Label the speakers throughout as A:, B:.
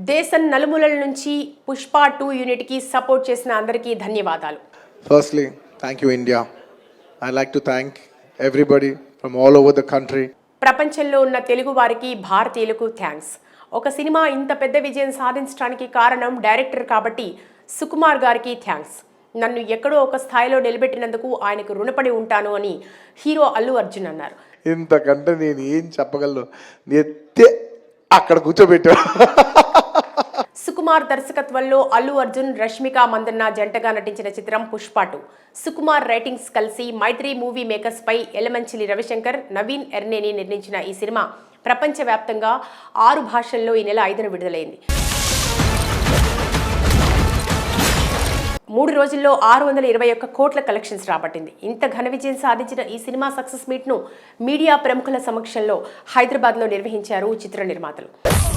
A: దేశం నలుమూలల నుంచి పుష్ప 2 యూనిట్ కి సపోర్ట్ చేసిన అందరికీ ధన్యవాదాలు.
B: Firstly, thank you India. I'd like to thank everybody from all over the country.
A: ప్రపంచంలో ఉన్న తెలుగు వారికి భారతీయులకు థ్యాంక్స్. ఒక సినిమా ఇంత పెద్ద విజయం సాధించడానికి కారణం డైరెక్టర్ కాబట్టి సుకుమార్ గారికి థ్యాంక్స్. నన్ను ఎక్కడో ఒక స్థాయిలో నిలబెట్టినందుకు ఆయనకు రుణపడి ఉంటాను అని హీరో అల్లు అర్జున్ అన్నారు.
B: ఇంతకంటే నేను ఏం చెప్పగలను, ఎత్తే అక్కడ కూర్చోబెట్టా.
A: సుకుమార్ దర్శకత్వంలో అల్లు అర్జున్, రష్మిక మందన్న జంటగా నటించిన చిత్రం పుష్ప 2. సుకుమార్ రైటింగ్స్ కలిసి మైత్రి మూవీ మేకర్స్ పై ఎలమంచిలి రవిశంకర్, నవీన్ ఎర్నేని నిర్మించిన ఈ సినిమా ప్రపంచవ్యాప్తంగా 6 భాషల్లో ఈ నెల 5న విడుదలైంది. 3 రోజుల్లో 621 కోట్ల కలెక్షన్స్ రాబట్టింది. ఇంత ఘన విజయం సాధించిన ఈ సినిమా సక్సెస్ మీట్ ను మీడియా ప్రముఖుల సమక్షంలో హైదరాబాద్ లో నిర్వహించారు చిత్ర నిర్మాతలు.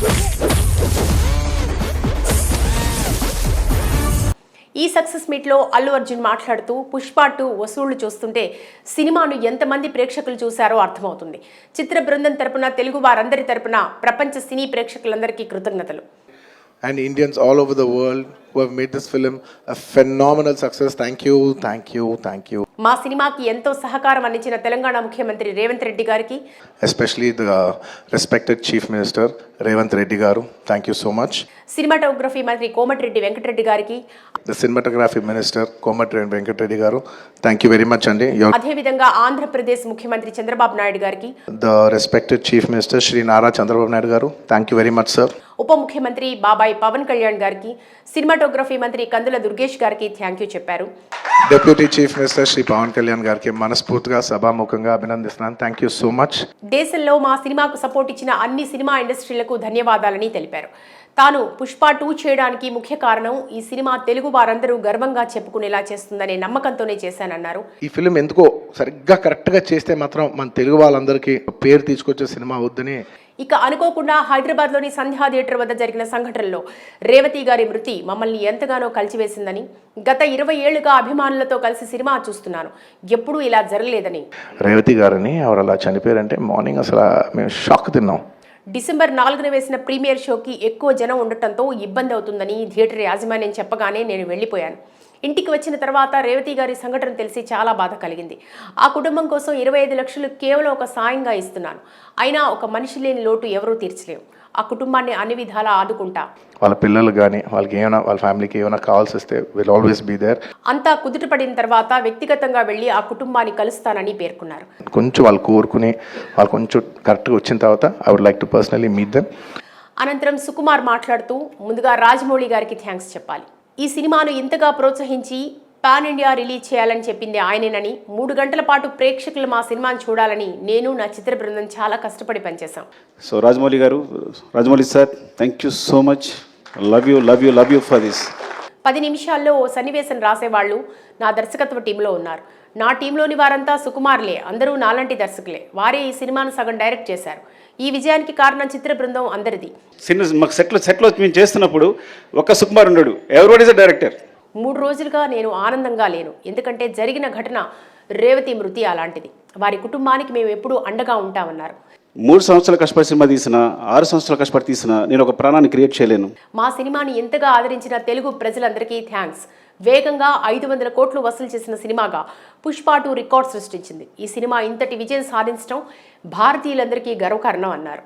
A: ఈ సక్సెస్ మీట్లో అల్లు అర్జున్ మాట్లాడుతూ పుష్ప 2 వసూళ్లు చూస్తుంటే సినిమాను ఎంతమంది ప్రేక్షకులు చూశారో అర్థమవుతుంది. చిత్ర బృందం తరపున, తెలుగు వారందరి తరపున ప్రపంచ సినీ ప్రేక్షకులందరికీ కృతజ్ఞతలు.
B: And Indians all over the world who have made this film a phenomenal success. Thank you, thank you, thank you.
A: మా సినిమాకి ఎంతో సహకారం అందించిన తెలంగాణ ముఖ్యమంత్రి రేవంత్ రెడ్డి గారికి,
B: especially the respected Chief Minister Revanth Reddy garu. Thank you so much.
A: Cinematography మంత్రి కోమటిరెడ్డి వెంకటరెడ్డి గారికి,
B: the cinematography minister Komatreddy Venkatreddy garu. Thank you very much andi.
A: అదే విధంగా ఆంధ్రప్రదేశ్ ముఖ్యమంత్రి చంద్రబాబు నాయుడు గారికి,
B: the respected Chief Minister Shri Nara Chandrababu Naidu garu. Thank you very much sir.
A: ఉప ముఖ్యమంత్రి బాబాయ్ పవన్ కళ్యాణ్ గారికి, సినిమాటోగ్రఫీ మంత్రి కందుల దుర్గేష్ గారికి థ్యాంక్ యూ చెప్పారు.
B: Deputy Chief Minister Shri Pawan Kalyan గారికి మనస్ఫూర్తిగా సభాముఖంగా అభినందిస్తున్నాను. Thank you so much.
A: దేశంలో మా సినిమాకు సపోర్ట్ ఇచ్చిన అన్ని సినిమా ఇండస్ట్రీలకు ధన్యవాదాలని తెలిపారు. తాను పుష్ప 2 చేయడానికి ముఖ్య కారణం ఈ సినిమా తెలుగు వారందరూ గర్వంగా చెప్పుకునేలా చేస్తుందనే నమ్మకంతోనే చేశానన్నారు.
B: ఈ ఫిలిం ఎందుకో సరిగ్గా కరెక్ట్గా చేస్తే మాత్రం మన తెలుగు వాళ్ళందరికీ పేరు తీసుకొచ్చే సినిమా అవుద్దని.
A: ఇక అనుకోకుండా హైదరాబాద్లోని సంధ్యా థియేటర్ వద్ద జరిగిన సంఘటనలో రేవతి గారి మృతి మమ్మల్ని ఎంతగానో కలిచివేసిందని, గత 20 ఏళ్లుగా అభిమానులతో కలిసి సినిమా చూస్తున్నాను, ఎప్పుడూ ఇలా జరగలేదని.
B: రేవతి గారిని ఎవరు అలా చనిపోయారంటే మార్నింగ్ అసలు మేము షాక్ తిన్నాం.
A: డిసెంబర్ 4న వేసిన ప్రీమియర్ షోకి ఎక్కువ జనం ఉండటంతో ఇబ్బంది అవుతుందని థియేటర్ యాజమాన్యం చెప్పగానే నేను వెళ్ళిపోయాను. ఇంటికి వచ్చిన తర్వాత రేవతి గారి సంఘటన తెలిసి చాలా బాధ కలిగింది. ఆ కుటుంబం కోసం 25 లక్షలు కేవలం ఒక సాయంగా ఇస్తున్నాను. అయినా ఒక మనిషి లేని లోటు ఎవరూ తీర్చలేవు. ఆ కుటుంబాన్ని అన్ని విధాలా ఆదుకుంటా.
B: వాళ్ళ పిల్లలు కానీ వాళ్ళకి ఏమైనా వాళ్ళ ఫ్యామిలీకి ఏమైనా కావాల్సి వస్తే విల్ ఆల్వేస్ బీ దేర్.
A: అంతా కుదుటపడిన తర్వాత వ్యక్తిగతంగా వెళ్ళి ఆ కుటుంబాన్ని కలుస్తానని పేర్కొన్నారు.
B: కొంచెం వాళ్ళు కోరుకుని వాళ్ళు కొంచెం కరెక్ట్గా వచ్చిన తర్వాత I would like to personally meet them.
A: అనంతరం సుకుమార్ మాట్లాడుతూ ముందుగా రాజమౌళి గారికి థ్యాంక్స్ చెప్పాలి. ఈ సినిమాను ఇంతగా ప్రోత్సహించి పాన్ ఇండియా రిలీజ్ చేయాలని చెప్పింది ఆయనేనని, 3 గంటల పాటు ప్రేక్షకులు మా సినిమాను చూడాలని నేను, నా చిత్ర బృందం చాలా కష్టపడి పనిచేశాం.
C: సో రాజమౌళి గారు, Rajamouli sir, thank you so much. Love you for this.
A: 10 నిమిషాల్లో ఓ సన్నివేశం రాసేవాళ్ళు నా దర్శకత్వ టీంలో ఉన్నారు. నా టీంలోని వారంతా సుకుమార్లే, అందరూ నాలాంటి దర్శకులే. వారే ఈ సినిమాను సగం డైరెక్ట్ చేశారు. ఈ విజయానికి కారణం చిత్ర బృందం అందరిది.
C: మాకు సెట్లో మేము చేస్తున్నప్పుడు ఒక్క సుకుమార్ ఉన్నాడు. Everybody is the director.
A: 3 రోజులుగా నేను ఆనందంగా లేను. ఎందుకంటే జరిగిన ఘటన రేవతి మృతి అలాంటిది. వారి కుటుంబానికి మేము ఎప్పుడూ అండగా ఉంటామన్నారు.
C: 3 సంవత్సరాల కష్టపడి సినిమా తీసిన, 6 సంవత్సరాల కష్టపడి తీసిన నేను ఒక ప్రాణాన్ని క్రియేట్ చేయలేను.
A: మా సినిమాని ఎంతగా ఆదరించిన తెలుగు ప్రజలందరికీ థ్యాంక్స్. వేగంగా 500 కోట్లు వసూలు చేసిన సినిమాగా పుష్ప 2 రికార్డ్ సృష్టించింది. ఈ సినిమా ఇంతటి విజయం సాధించడం భారతీయులందరికీ గర్వకారణం అన్నారు.